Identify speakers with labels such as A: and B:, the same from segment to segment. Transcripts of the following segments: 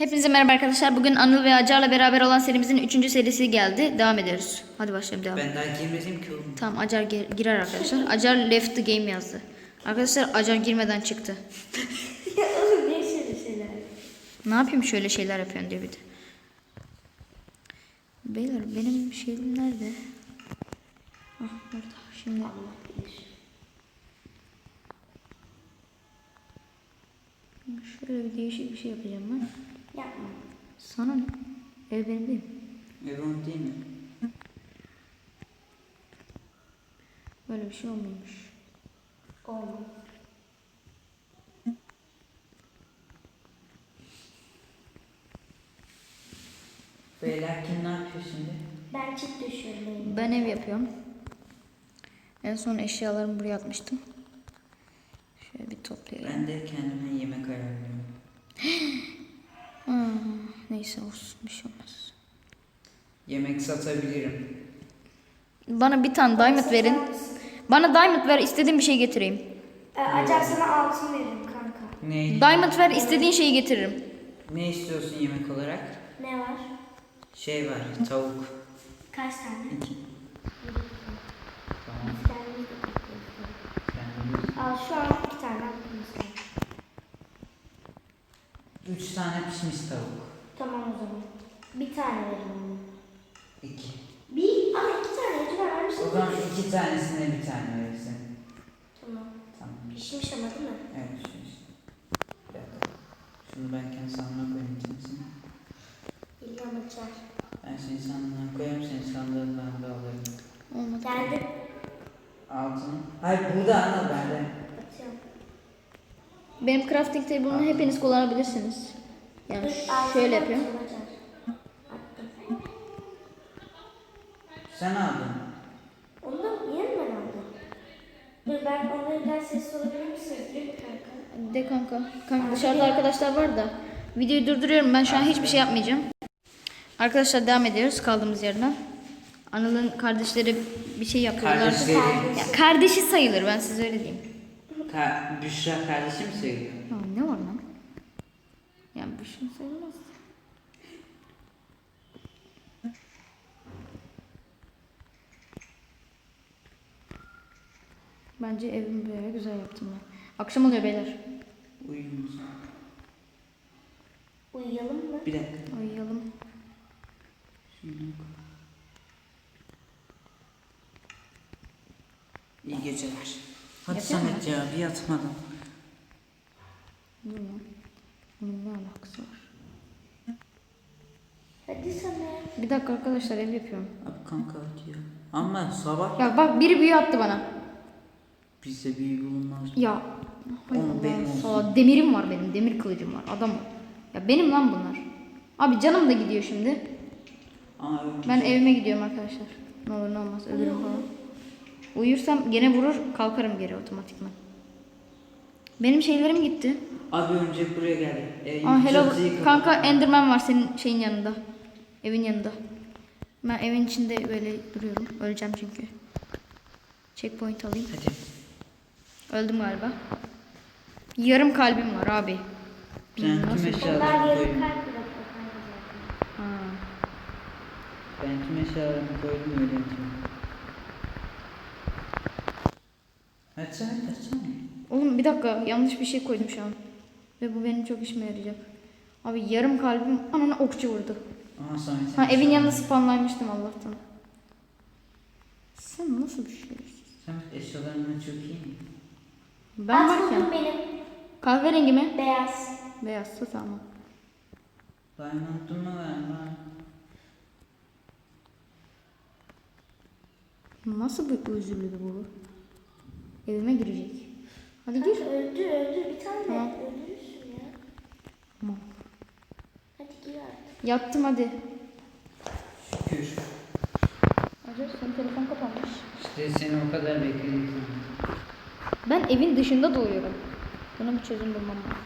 A: Hepinize merhaba arkadaşlar. Bugün Anıl ve Acar'la beraber olan serimizin 3. serisi geldi. Devam ediyoruz. Hadi başlayalım, devam.
B: Ben daha girmedim ki oğlum.
A: Tamam, Acar girer arkadaşlar. Acar left the game yazdı. Arkadaşlar Acar girmeden çıktı.
C: Ya oğlum ne şöyle şeyler?
A: Ne yapayım, şöyle şeyler yapıyorsun diyor bir de. Beyler benim şeyim nerede? Ah, burada. Şimdi şöyle bir değişik bir şey yapacağım ben.
C: Yapma.
A: Sana ne? Ev benim değil.
B: Evon değil mi?
A: Böyle bir şey olmuyormuş.
C: Olmaz.
B: Beyler kim ne yapıyor şimdi?
C: Ben çift düşürdüm.
A: Ben ev yapıyorum. En son eşyalarımı buraya atmıştım. Şöyle bir toplayayım.
B: Ben de kendime yemek ayarlıyorum.
A: Neyse olsun, bir şey olmaz.
B: Yemek satabilirim.
A: Bana bir tane diamond verin. Bana diamond ver, istediğim bir şey getireyim.
C: Acar sana altın veririm kanka.
B: Ne?
A: Diamond ver, istediğin şeyi getiririm.
B: Ne istiyorsun yemek olarak?
C: Ne var?
B: Şey var, tavuk.
C: Kaç tane?
B: 2. Tamam.
C: Biz kendimiz de topluyoruz.
B: Kendimiz.
C: Al şu an 2 tane hakkımız var.
B: 3 tane pişmiş tavuk.
C: Tamam o zaman. Bir tane verin onu.
B: 2.
C: Bir? Ama 2 tane. Lütfen vermişsin.
B: O zaman 2 tanesine bir tane verirsin.
C: Tamam.
B: Tamam.
C: Pişmiş ama değil mi?
B: Evet pişmiş. Bir dakika. Şunu ben kendi sandığıma koyayım kimsin?
C: İlham Acar.
B: Ben seni sandığına koyarım, seni sandığından da alırım.
A: Olmadı.
C: Geldim.
B: Altın. Hayır burada ana bende.
C: Atıyorum.
A: Benim crafting table'ını hepiniz kullanabilirsiniz. Yani şöyle yapıyorum.
C: Acar. Attım.
B: Sen aldın.
C: Onu da yeni mi ben aldım? Dur ben onları biraz sessiz olabilir misiniz? Değil mi kanka?
A: De kanka. Kanka dışarıda arkadaşlar var da. Videoyu durduruyorum. Ben şu an hiçbir şey yapmayacağım. Arkadaşlar devam ediyoruz kaldığımız yerden. Anıl'ın kardeşleri bir şey yapıyorlar.
B: Kardeşleri.
A: Ya, kardeşi sayılır, ben size öyle diyeyim.
B: Büşra kardeşim sayılıyor.
A: Ya, ne var lan? Yani bir şey sayılmaz. Bence evimi böyle güzel yaptım ben. Akşam oluyor beyler.
B: Uyumuz.
C: Uyuyalım mı?
B: Bir dakika.
A: Uyuyalım.
B: Şunu koy. İyi geceler. Hadi
A: Yapıyor
B: Samet ya bir yatmadım.
A: Dur lan. Bunun ne alakası var?
C: Hadi Samet.
A: Bir dakika arkadaşlar, ev yapıyorum.
B: Abi kanka hadi ya. Ama sabah
A: Ya bak, biri büyü attı bana.
B: bizde büyü bulunmaz.
A: Ya. Hay
B: Oğlum benim
A: Allah,
B: olsun.
A: sağ- demirim var benim. Demir kılıcım var. Adam ol. Ya benim lan bunlar. Abi canım da gidiyor şimdi.
B: Aa,
A: Ben evime gidiyorum arkadaşlar. Ne olur ne olmaz, ölürüm falan. Uyursam gene vurur, kalkarım geri otomatikman. Benim şeylerim gitti.
B: Abi önce buraya geldi.
A: Aa, hello.
B: çatıyı kapat.
A: Kanka Enderman var senin şeyin yanında. Evin yanında. Ben evin içinde böyle duruyorum. Öleceğim çünkü. Checkpoint alayım.
B: Hadi.
A: Öldüm galiba. Yarım kalbim var abi.
B: Ben
A: Nasıl?
B: tüm
C: Onlar
B: eşyalarımı
C: yarım
B: koydum.
C: kalp bırakıyor kanka zaten.
A: Ha.
B: Ben tüm eşyalarımı koydum öyle yatıyorum. Hadi Samet açsana.
A: Oğlum bir dakika, yanlış bir şey koydum şu an. Ve bu benim çok işime yarayacak. Abi yarım kalbim anana okçu vurdu.
B: Aha Samet.
A: Ha, evin yanında spawnlaymıştım Allah'tan. Sen nasıl bir şeysin?
B: Samet eşyalarını çok iyi mi?
A: Ben
C: At buldum
A: varken.
C: benim.
A: Kahverengi mi?
C: Beyaz.
A: Beyazsa tamam.
B: Diamond'un mu var?
A: Nasıl bir özürlü bu? Evime girecek. Hadi gir.
C: Kanka öldür bir tane
A: Tamam.
C: öldürürsün ya.
A: Tamam.
C: Hadi gir artık.
A: Yattım hadi.
B: Şükür.
A: Acaba senin telefon kapanmış.
B: İşte seni o kadar bekledik.
A: Ben evin dışında doğuyorum. Buna bir çözüm bulmam lazım.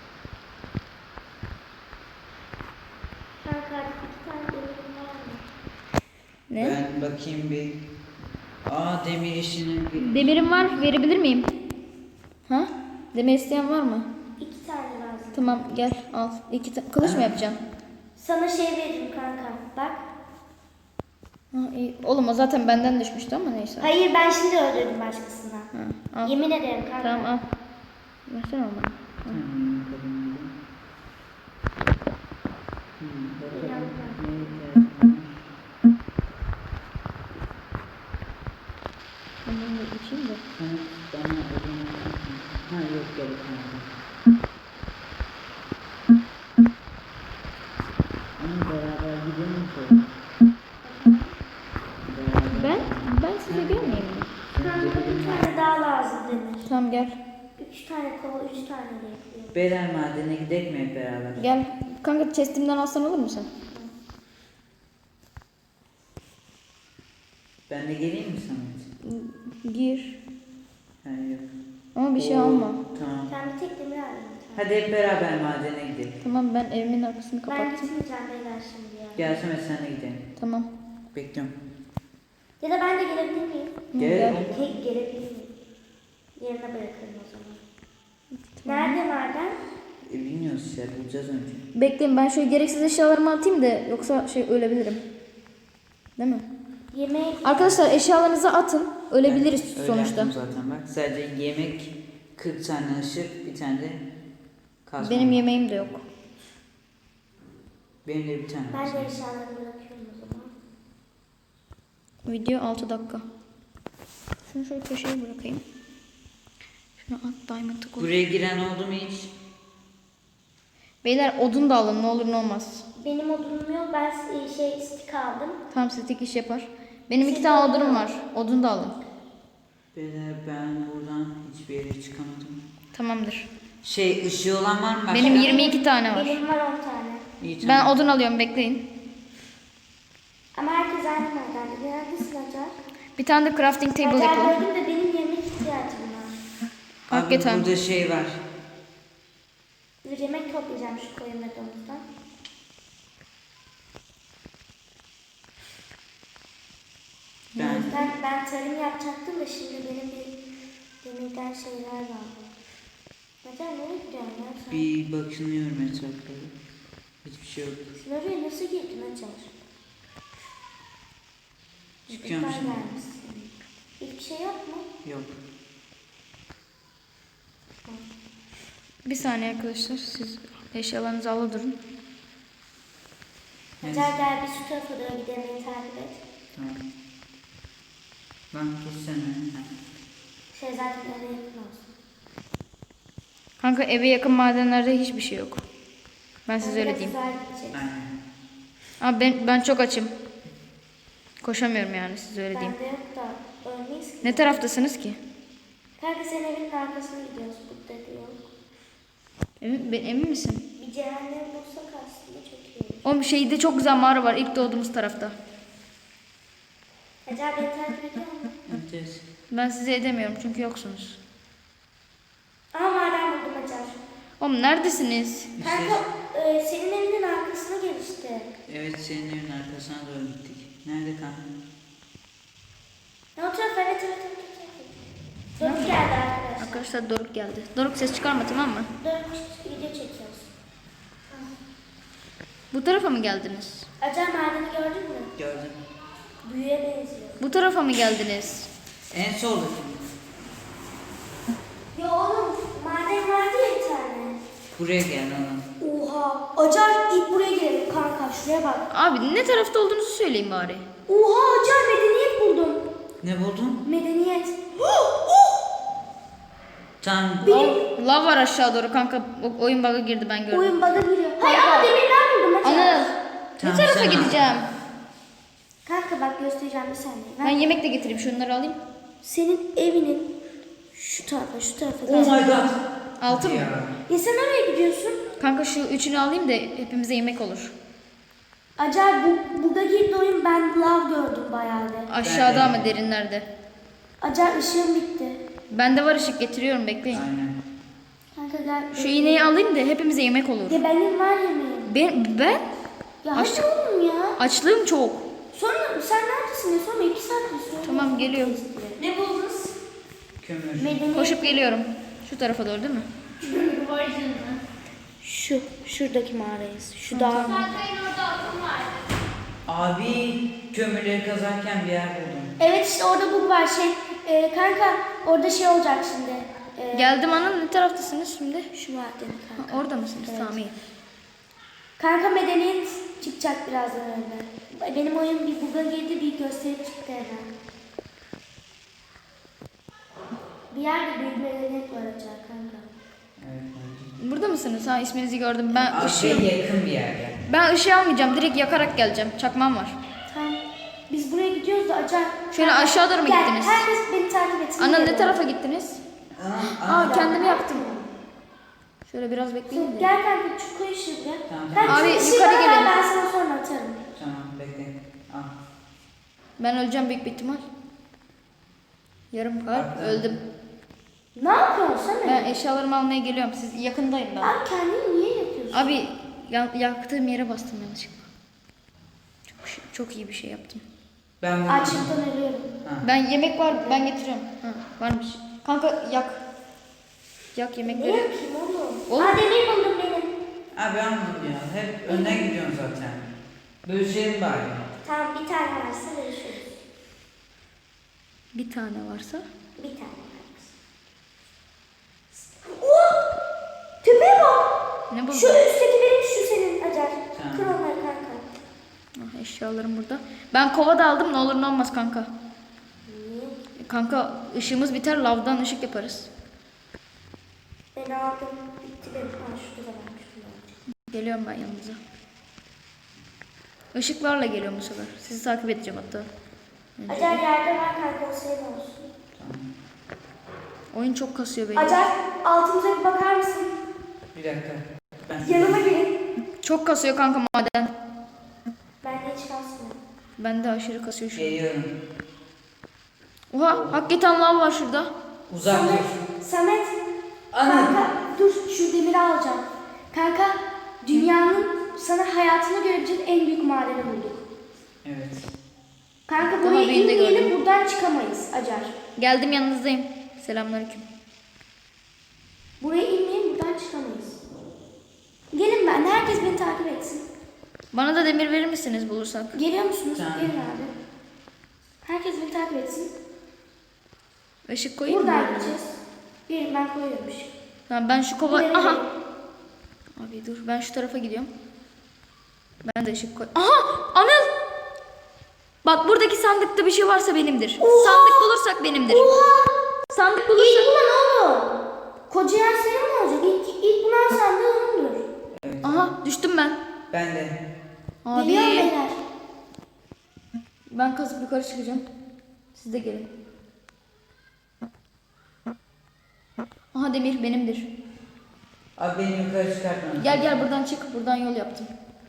C: Kanka artık 2 tane demirim var mı?
A: Ne?
B: Ben bakayım bir. Aa demir işinin bir.
A: Demirim var, verebilir miyim? Ha? Demir isteyen var mı?
C: 2 tane lazım.
A: Tamam gel al. Kılıç mı yapacaksın?
C: Sana şey veririm kanka. Bak.
A: Ha, iyi. Oğlum o zaten benden düşmüştü ama neyse.
C: Hayır ben şimdi öldürdüm başkasına.
A: Ha, al.
C: Yemin ederim kanka.
A: Tamam al. Versene onu bana.
B: Tamam, bakalım. Bakalım.
A: Ben bunu da içeyim de.
B: Bana odun. Ha yok gerek yok. Ama beraber gidelim mi?
A: Ben size gelmeyeyim mi?
C: Kanka bir tane daha lazım denir.
A: Tamam gel.
C: 3 tane kova 3 tane de yapıyor.
B: Beyler madene gidelim mi hep beraber?
A: Gel. Kanka chestimden alsan olur mu sen?
B: Ben de geleyim mi Samet?
A: Gir.
B: Ha yok.
A: Ama bir şey
B: Oo,
A: alma.
B: Tamam.
C: Ben bir tek demir alayım.
B: Hadi hep beraber madene gidelim.
A: Tamam ben evimin arkasını
C: Ben
A: kapattım.
C: gitmeyeceğim beyler şimdi ya.
B: Gel Samet sen de gidelim.
A: Tamam.
B: Bekliyorum.
C: Ya da ben de gelebilir miyim?
B: Gel.
C: Tek gelebilir miyim? Yerine bırakırım o zaman. Nerede maden?
B: Bilmiyoruz işte bulacağız önce.
A: Bekleyin ben şöyle gereksiz eşyalarımı atayım da yoksa ölebilirim. Değil mi?
C: Yemek.
A: Arkadaşlar eşyalarınızı atın. Ölebiliriz
B: Ben öyle
A: sonuçta.
B: yaptım zaten bak. Sadece yemek, 40 tane ışık, bir tane de kazma.
A: Benim yemeğim de yok.
B: Benim de bir tane.
C: Ben
B: var.
C: de eşyalarımı bırakıyorum o zaman.
A: Video 6 dakika. Şunu şöyle köşeye bırakayım. Şunu at diamond'ı koy.
B: Buraya giren oldu mu hiç?
A: Beyler odun da alın ne olur ne olmaz.
C: Benim odunum yok. Ben stick aldım.
A: Tamam statik iş yapar. Benim 2 tane odunum var. Odun da alın.
B: Beyler ben buradan hiçbir yere çıkamadım.
A: Tamamdır.
B: Şey ışığı olan var mı? Başka?
A: Benim 22 tane var.
C: Benim var 10 tane.
B: İyi,
A: Ben
B: tamam.
A: odun alıyorum bekleyin.
C: Ama herkes aynı madende. Neredesin Acar?
A: Bir tane de crafting table
C: Acar
A: yapalım.
C: gördüm de benim yemek ihtiyacım var.
B: Abi
A: Hakikaten.
B: burada şey var.
C: Bir yemek toplayacağım şu koyun ve domuzdan. Ben tarım yapacaktım da şimdi benim bir demirden şeyler var. Acar nereye gidiyorsun ya sen?
B: Bir bakınıyorum etraflara. Hiçbir şey yok.
C: Sen oraya nasıl girdin Acar?
B: Çıkıyorum
C: Yukarı
B: şimdi.
C: gelmişsin. Hiçbir şey yok mu?
B: Yok.
A: Bir saniye arkadaşlar siz eşyalarınızı ala durun.
C: Acar gel bir şu tarafa doğru gidelim beni takip et.
B: Tamam. Lan kessene.
C: Şey zaten eve yakın olsun.
A: Kanka eve yakın madenlerde hiçbir şey yok. Ben size öyle
C: Biraz
A: diyeyim.
C: uzağa gideceğiz.
B: Aynen.
A: Abi ben çok açım. Koşamıyorum yani size öyle diyeyim.
C: Bende yok da ölmeyiz ki.
A: Ne taraftasınız ki?
C: Kanka senin evinin arkasına gidiyoruz. Burada diyor.
A: Emin misin?
C: Bir cehennem bulsak aslında çok iyi.
A: O şeyde çok güzel mağara var ilk doğduğumuz tarafta.
C: Acar beni takip ediyor mu?
B: Evet.
A: Ben size edemiyorum çünkü yoksunuz.
C: Aa maden buldum Acar.
A: Oğlum neredesiniz?
C: Kanka senin evinin arkasına gel işte.
B: Evet senin evin arkasına doğru gittik. Nerede kanka?
C: Ne o tarafa evet. Doruk geldi arkadaşlar.
A: Arkadaşlar Doruk geldi. Doruk ses çıkarma tamam mı?
C: Doruk video çekiyoruz.
A: Bu tarafa mı geldiniz?
C: Acar madeni gördün mü?
B: Gördüm.
C: Büyüye benziyor.
A: Bu tarafa mı geldiniz?
B: En solda.
C: Ya oğlum maden vardı ya bir tane.
B: Buraya gel lan.
C: Oha. Acar ilk buraya gelelim kanka şuraya bak.
A: Abi ne tarafta olduğunuzu söyleyin bari.
C: Oha Acar medeniyet buldum.
B: Ne buldun?
C: Medeniyet.
B: Tam
A: Lav var aşağı doğru kanka. Oyun bug'a girdi ben gördüm.
C: Oyun bug'a giriyor. Hayır ama demirler buldum Acar.
A: Anıl.
B: Tamam,
A: Ne tarafa
B: sen al.
A: gideceğim?
C: Kanka bak göstereceğim bir saniye.
A: Ben yemek de getireyim şunları alayım.
C: Senin evinin şu tarafa
B: Oh my god.
A: Altı mı?
C: Ya sen oraya gidiyorsun.
A: Kanka şu üçünü alayım da hepimize yemek olur.
C: Acar bug'a girdi oyun ben lav gördüm bayağı bir.
A: Aşağıda
B: Ben de.
A: ama derinlerde.
C: Acar ışığım bitti.
A: Bende var ışık getiriyorum bekleyin.
B: Aynen.
C: Kanka gel.
A: Şu iğneyi alayım da hepimize yemek olur.
C: Ya benim var yemeğim.
A: Ben
C: Ya
A: Aç-
C: hadi oğlum ya.
A: açlığım çok.
C: Sonra sen neredesin ya? Sonra 2 saat mi sonra?
A: Tamam, geliyorum.
C: Ne buldunuz?
B: Kömür.
C: Medeniyet.
A: Koşup geliyorum. Şu tarafa doğru değil mi?
C: Şuradaki mağarayız. Şu dağ.
D: Berkay'ın orada altın vardı.
B: Abi kömürleri kazarken bir yer buldum.
C: Evet işte orada bug var kanka orada şey olacak şimdi.
A: Geldim Anıl, ne taraftasınız şimdi?
C: Şu madeni
A: Ha,
C: kanka.
A: orada mısınız?
C: Evet.
A: Tamam iyi.
C: Kanka medeniyet çıkacak birazdan önde. Benim oyun bir bug'a girdi bir gösteri çıktı hemen. Bir yerde büyük medeniyet var acaba kanka.
B: Evet. bence.
A: Burada mısınız? Ha, isminizi gördüm. Ben
B: Abi
A: ışığı...
B: yakın bir yerde.
A: Ben ışığı almayacağım. Direkt yakarak geleceğim. Çakmağım var.
C: Tamam. Biz buraya gidiyoruz da acayip.
A: Şöyle aşağı doğru mu
C: Gel,
A: gittiniz?
C: herkes beni takip etsin.
A: Anıl, ne
C: Gel.
A: tarafa gittiniz? Aa, kendimi yaktım. Şöyle biraz bekleyin de.
C: Gel kanka şu koy ışığı gel.
B: Tamam.
C: Kanka,
A: Abi,
C: şu ışığı
A: yukarı
C: bana ver,
A: gelin.
C: Ben sana sonra atarım.
B: Tamam bekle. Al.
A: Ben öleceğim büyük bir ihtimal. Yarım kalp
B: Hatta-
A: öldüm.
C: Ne yapıyorsun sen?
A: Ben eşyalarımı almaya geliyorum. Siz yakındayım ben.
C: Abi kendini niye yapıyorsun?
A: Abi yaktığım yere bastım yanlışlıkla. Çok iyi bir şey yaptım.
B: Ben bunu...
C: Açlıktan ölüyorum.
B: Ha.
A: Ben yemek var, ben getiriyorum. Ha, varmış. Kanka yak. Yak
C: Ne
A: yemekleri.
C: yapayım oğlum?
A: Oğlum.
C: Aa demir buldum benim.
B: Abi anladım ya. Hep önden gidiyorsun zaten. Bölüşelim bari.
C: Tamam bir tane varsa görüşürüz.
A: Bir tane varsa.
C: Bir tane varsa. Oh! Tepeye bak.
A: Ne
C: Şu
A: buldun?
C: üstteki benim şu senin Acar.
B: Tamam.
C: Kır onları kanka.
A: Ah, eşyalarım burada. Ben kova da aldım, ne olur ne olmaz kanka.
C: Niye?
A: Kanka ışığımız biter, lavdan ışık yaparız.
C: Ben aldım. Bitti benim. Ha şurada da varmış. Şurada var.
A: Geliyorum ben yanınıza. Işıklarla geliyorum bu sefer. Sizi takip edeceğim hatta.
C: Acar yerde var kanka o senin olsun.
B: Tamam.
A: Oyun çok kasıyor beni.
C: Acar altımıza bir bakar mısın?
B: Bir dakika. Ben...
C: Yanıma gelin.
A: Çok kasıyor kanka maden.
C: Ben de hiç kalsın.
A: Bende aşırı kasıyor şu an.
B: Geliyorum.
A: Oha, hakikaten lav var şurada.
B: Uzak
C: Samet.
B: dur.
C: Samet.
B: Ana.
C: Kanka dur şu demiri alacağım. Kanka dünyanın sana hayatını görebileceğin en büyük madeni bulduk.
B: Evet.
C: Kanka
A: Daha
C: buraya
A: büyüğünü de
C: inmeyelim
A: gördüm.
C: buradan çıkamayız Acar.
A: Geldim, yanınızdayım. Selamünaleyküm.
C: Buraya inmeyelim buradan çıkamayız. Gelin ben herkes beni takip etsin.
A: Bana da demir verir misiniz bulursak?
C: Geliyor musunuz?
B: Tamam.
C: Gelin abi. Herkes beni takip etsin.
A: Işık koyayım mı?
C: Buradan gideceğiz. Gelin ben koyuyorum ışık.
A: Tamam, ben şu kova...
C: Gelin,
A: Aha!
C: gelin.
A: Abi dur, ben şu tarafa gidiyorum. Ben de ışık koy... Aha! Anıl! Bak, buradaki sandıkta bir şey varsa benimdir.
C: Oha!
A: Sandık bulursak benimdir.
C: Oha!
A: Sandık
C: İlk
A: bulursak...
C: bulan oğlum. Koca yer senin mi olacak? İlk bulan sandığı onundur.
B: Evet.
A: Aha, düştüm ben.
B: Ben de.
A: Abi,
C: Geliyor beyler.
A: ben kazıp yukarı çıkacağım. Siz de gelin. Aha, demir benimdir.
B: Abi beni yukarı çıkartma.
A: Gel gel, buradan çık. Buradan yol yaptım.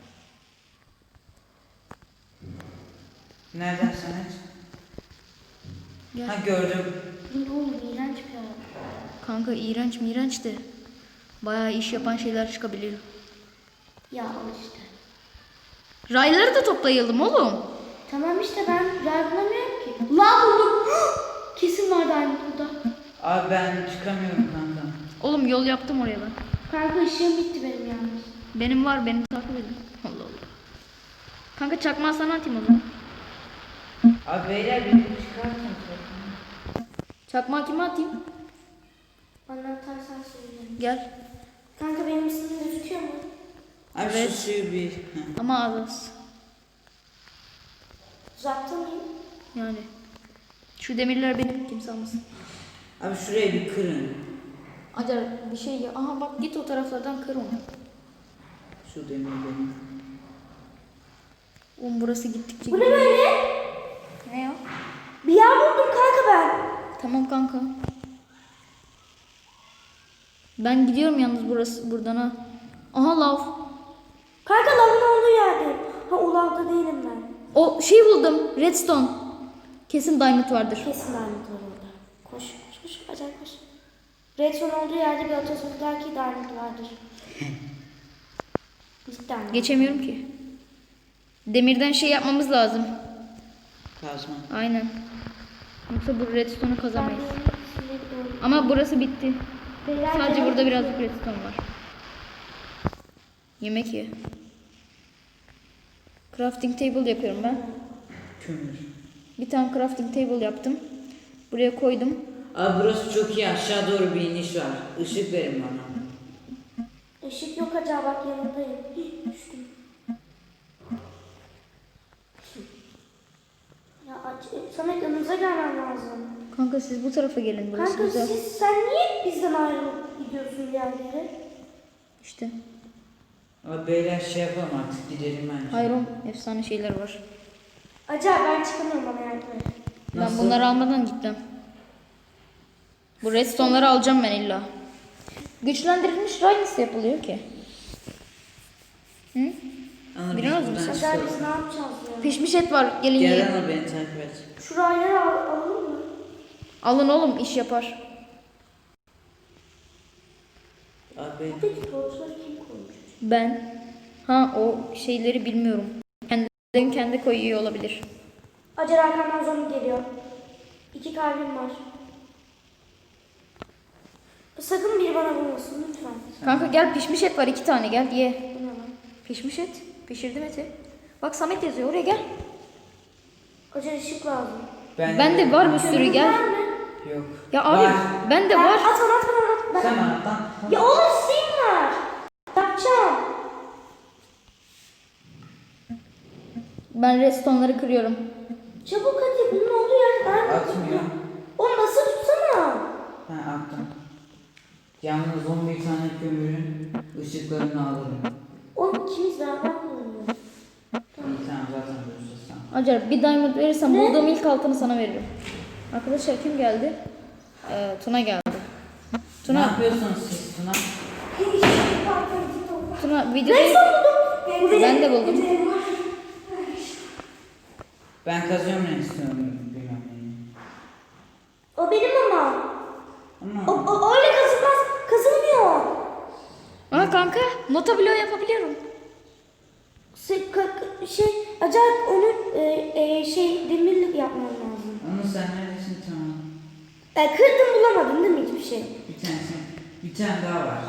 B: Nereden Samet?
A: Gel.
B: Ha gördüm.
C: Ne oğlum iğrenç bir adam.
A: Kanka iğrenç miğrenç de. Bayağı iş yapan şeyler çıkabiliyor.
C: Ya al işte.
A: Rayları da toplayalım oğlum.
C: Tamam işte ben yer bulamıyorum ki. La buldum. Kesin var diamond burada.
B: Abi ben çıkamıyorum kanka.
A: Oğlum yol yaptım oraya ben.
C: Kanka ışığım bitti benim yalnız.
A: Benim var, beni takip edin. Allah Allah. Kanka çakmağı sana atayım o zaman.
B: Abi beyler beni çıkartın.
A: Çakmağı kime atayım?
C: Bana atarsan söyleyeceğim.
A: Gel.
C: Kanka benim ismim gözüküyor mu?
B: Abi
A: Evet.
B: şu suyu bir... Heh.
A: Ama az.
C: Uzakta mıyım?
A: Yani. Şu demirler benim, kimse almasın.
B: Abi şurayı bir kırın.
A: Acar bir şey ya. Aha bak, git o taraflardan kır onu.
B: Şu demir benim.
A: Oğlum burası gittikçe
C: Bu ne böyle?
A: Ne ya?
C: Bir yer buldum kanka ben.
A: Tamam kanka. Ben gidiyorum yalnız buradan ha. Aha lav.
C: Kanka lavın olduğu yerdeyim. Ha o lavda değilim ben.
A: O şey buldum. Redstone. Kesin diamond vardır.
C: Kesin diamond var orada. Koş koş koş acayip koş. Redstone olduğu yerde bir atasözler ki diamond vardır. Cidden.
A: Geçemiyorum ki. Demirden şey yapmamız lazım.
B: Kazma.
A: Aynen. Yoksa bu redstone'u
C: Ben
A: kazamayız.
C: de sinirli oldum.
A: Ama burası bitti.
C: Beyler,
A: Sadece
C: beyler.
A: burada birazcık redstone var. Yemek ye. Crafting table yapıyorum ben.
B: Kömür.
A: Bir tane crafting table yaptım. Buraya koydum.
B: Abi burası çok iyi. Aşağı doğru bir iniş var. Işık verin bana.
C: Işık yok acaba bak yanındayım. Düştüm. Ya Samet yanımıza gelmen lazım.
A: Kanka siz bu tarafa gelin. Burası
C: Kanka
A: güzel.
C: sen niye bizden ayrılıp gidiyorsun bir yerlere?
A: İşte.
B: Abi beyler şey yapalım artık gidelim bence.
A: Hayır oğlum, efsane şeyler var.
C: Acaba ben çıkamıyorum bana yardım et.
A: Ben
B: Nasıl?
A: bunları almadan gittim. Bu redstone'ları alacağım ben illa. Güçlendirilmiş ray nasıl yapılıyor ki? Hı?
B: Anıl,
A: Biraz
B: biz
A: mı?
B: buradan
C: Acaba
B: çıkalım.
C: biz ne yapacağız ya?
A: Pişmiş et var. Gelin
B: Gel
A: yiyin.
B: Anıl beni takip et.
C: Şu rayları alalım mı?
A: Alın oğlum, iş yapar.
B: Abi
C: Peki torçları kim koymuş?
A: Ben. Ha, o şeyleri bilmiyorum. Kendilerin kendi koyuyor olabilir.
C: Acar arkamdan zombi geliyor. 2 kalbim var. Sakın biri bana vurmasın lütfen.
A: Kanka gel, pişmiş et var 2 tane, gel ye.
C: Bu ne lan?
A: Pişmiş et. Pişirdim eti. Bak Samet yazıyor, oraya gel.
C: Acar ışık lazım.
A: Ben de var bir sürü, gel.
C: Var mı?
B: Yok.
A: Ya abi
B: Var.
A: ben de var.
C: At bana at bana at.
B: Sen bana at lan.
C: Ya oğlum Steam var. Yapacağım.
A: Ben redstone'ları kırıyorum.
C: Çabuk hadi bunun olduğu yer nerede?
B: Atmıyor.
C: Oğlum nasıl tutsana?
B: Ha attım. Yalnız 11 tane kömürün ışıklarını alırım.
C: Oğlum ikimiz beraber kullanıyoruz.
B: İyi tamam zaten görüşürüz sen.
A: Acar bir diamond verirsen bulduğum ilk altını sana veririm. Arkadaşlar kim geldi? Tuna geldi.
B: Ne
A: Tuna,
B: yapıyorsunuz siz Tuna?
A: Tuna videoyu... Ben de buldum.
B: Ben kazıyorum ne istiyorum bilmem neyi.
C: O benim ama.
B: Ama
C: O öyle kazılmaz. Kazılmıyor.
A: Aa kanka, nota bloğu yapabiliyorum.
C: Acayip onu demirlik yapmam lazım.
B: onu sen neredesin tamam.
C: Kırdım bulamadın değil mi hiçbir şey?
B: Bir tane daha var.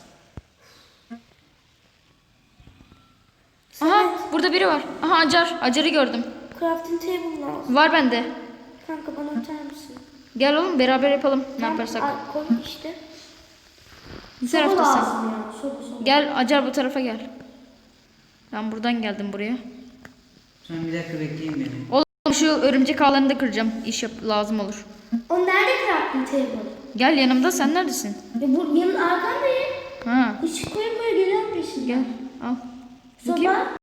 A: Aha, burada biri var. Aha Acar, Acar'ı gördüm.
C: Crafting table lazım.
A: Var bende.
C: Kanka bana atar mısın?
A: Gel oğlum beraber yapalım ne yaparsak.
C: Koy işte.
A: Bu
C: Soba
A: taraftasın.
C: lazım ya. Soba.
A: Gel Acar bu tarafa gel. Ben buradan geldim buraya.
B: Sen bir dakika bekleyin beni.
A: Oğlum şu örümcek ağlarını da kıracağım. İş lazım olur.
C: O nerede crafting table?
A: Gel yanımda, sen neredesin?
C: Bu yanın arkandayım.
A: Ha,
C: Işık koya koya geliyorum peşinden.
A: gel al. Bakayım.
C: Soba.